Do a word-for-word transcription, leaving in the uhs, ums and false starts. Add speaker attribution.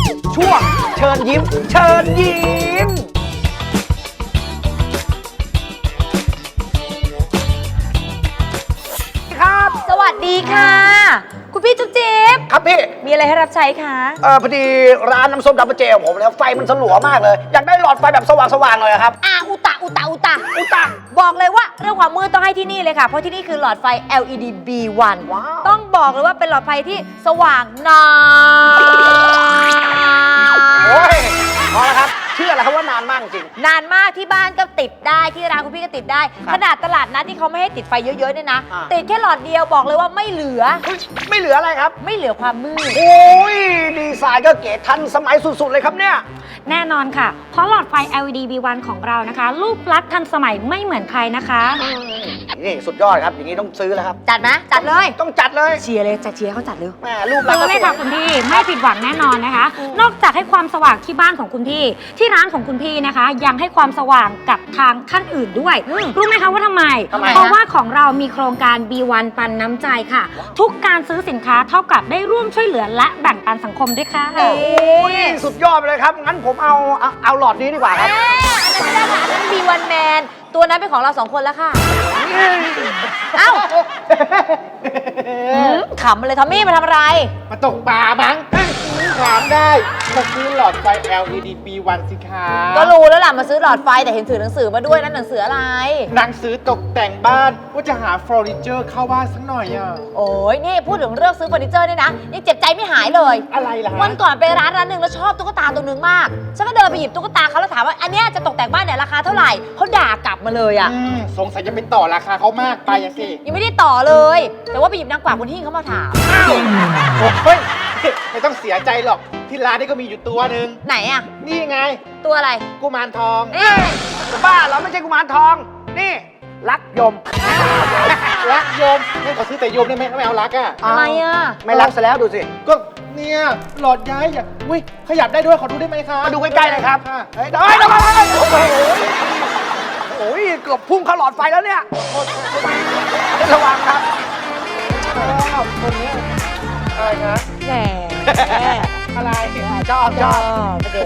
Speaker 1: ช่วงเชิญยิ้มเชิญยิ้มครับ
Speaker 2: สวัสดีค่ะ คุณพี่จุ๊บจิ๊บ
Speaker 1: ครับพี่
Speaker 2: มีอะไรให้รับใช้คะ
Speaker 1: เออพอดีร้านน้ำส้มดับเบิลเจของผมแล้วไฟมันสลัวมากเลย อยากได้หลอดไฟแบบสว่างๆเลยครับ
Speaker 2: อ่าอุตะอุตะอุตะ
Speaker 1: อุยตะ
Speaker 2: บอกเลยว่าเรื่องความมืดต้องให้ที่นี่เลยค่ะ เพราะที่นี่คือหลอดไฟ แอล อี ดี บี วัน
Speaker 1: ว้าว
Speaker 2: ต้องบอกเลยว่าเป็นหลอดไฟที่สว่างนาน
Speaker 1: โอ้ยพอแล้วครับเชื่อแล้วครับว่านานมากจริง
Speaker 2: นานมากที่บ้านก็ติดได้ที่ร้านคุณพี่ก็ติดได้
Speaker 1: ครับ
Speaker 2: ขนาดตลาดนัดที่เขาไม่ให้ติดไฟเยอะๆเนี่ยนะ
Speaker 1: อ่า
Speaker 2: ติดแค่หลอดเดียวบอกเลยว่าไม่เหลือ
Speaker 1: เฮ้ยไม่เหลืออะไรครับ
Speaker 2: ไม่เหลือความมืด
Speaker 1: โอ้ยดีไซน์ก็เก๋ทันสมัยสุดๆเลยครับเนี่ย
Speaker 3: แน่นอนค่ะ เพราะหลอดไฟ แอล อี ดี บี วัน ของเรานะคะ รูปลักษณ์ทันสมัยไม่เหมือนใครนะคะ
Speaker 1: นี่สุดยอดครับอย่างนี้ต้องซื้อแล้วครับ
Speaker 2: จัดไหมจัดเลย
Speaker 1: ต้องจัดเลย
Speaker 2: เชียร์เลยจัดเชียร์เขาจัดเลย
Speaker 1: แหมรูปลักษ
Speaker 3: ซื้
Speaker 1: ณ์
Speaker 3: อเลยค่ะคุณพี่ไม่ผิดหวังแน่นอนนะคะ นอกจากให้ความสว่างที่บ้านของคุณพี่ ที่ร้านของคุณพี่นะคะ ยังให้ความสว่างกับทางท่านอื่นด้วย
Speaker 2: อืม
Speaker 3: รู้ไหมคะว่าทำไม
Speaker 1: ทำไม
Speaker 3: เพราะว่าของเรามีโครงการ บี วัน ปันน้ำใจค่ะ ทุกการซื้อสินค้าเท่ากับได้ร่วมช่วยเหลือและแบ่งปันสังคมด้วยค่ะ
Speaker 1: โอ้ยสุดยอดไปเลยครับ งั้นผมเอาเอาเอาหลอดนี้ดีกว่าครับ
Speaker 2: เอ๊ะอันนั้นไม่ได้ค่ะอันนั้นบีวันแมนตัวนั้นเป็นของเราสองคนแล้วค่ะ เอ้าหืมขำเลยทอมมี่มาทำอะไร
Speaker 4: มาตกปลามั้งถามได้มาซื้อหลอดไฟ แอล อี ดี บี วัน สิคะ
Speaker 2: ก็รู้แล้วล่ะมาซื้อหลอดไฟแต่เห็นถือหนังสือมาด้วยนั่นหนังสืออะไร
Speaker 4: หนังสือตกแต่งบ้านว่าจะหาเฟอร์นิเจอร์เข้าบ้านสักหน่อยอ่ะ
Speaker 2: โอ้ยนี่พูดถึงเรื่องซื้อเฟอร์นิเจอร์นี่นะยังเจ็บใจไม่หายเลย
Speaker 4: อะไรล่ะฮะ
Speaker 2: วันก่อนไปร้านร้านหนึ่งแล้วชอบตุ๊กตาตัวหนึ่งมาก ฉันก็เดินไปหยิบตุ๊กตาเขาแล้วถามว่าอันเนี้ยจะตกแต่งบ้านเนี่ยราคาเท่าไหร่เขาด่ากลับมาเลยอะ
Speaker 4: อืมสงสัยจะไปต่อราคาเขามากไปอะสิ
Speaker 2: ยังไม่ได้ต่อเลย แต่ว่าไปหยิบนางกวักคุณหิ้งเขามาถาม
Speaker 4: โอ้ยไม่ต้องเสียใจหรอกที่ร้านนี้ก็มีอยู่ตัวหนึ่ง
Speaker 2: ไหนอะ
Speaker 4: นี่ไง
Speaker 2: ตัวอะไร
Speaker 4: กุมารทอง
Speaker 2: เอ๊ะ
Speaker 1: จะบ้าเหราไม่ใช่กุมารทอง นี่ รักยม
Speaker 4: รักโยมไม่ขอซื้อแต่โยมได้ไหมไม่เอารักอ่ะ
Speaker 2: อะไรอะ
Speaker 1: ไม่รักซะแล้วดูสิ
Speaker 4: ก็เนี่ยหลอดย้ายอ่ะอุ้ยขยับได้ด้วยขอดูได้ไหมคะ
Speaker 1: มาดูใกล้ๆเลยครับ
Speaker 4: ะ
Speaker 1: เฮ้ยเฮ้ยเดี๋ยวมาเฮ้ยโอ้โหโอ้ยเกือบพุ่งเข้าหลอดไฟแล้วเนี่ยระวังครับ
Speaker 4: ชอบคนเนี้ยอะไรคะ
Speaker 2: แหม
Speaker 4: อะไร
Speaker 1: ชอบชอบ
Speaker 2: ชอบ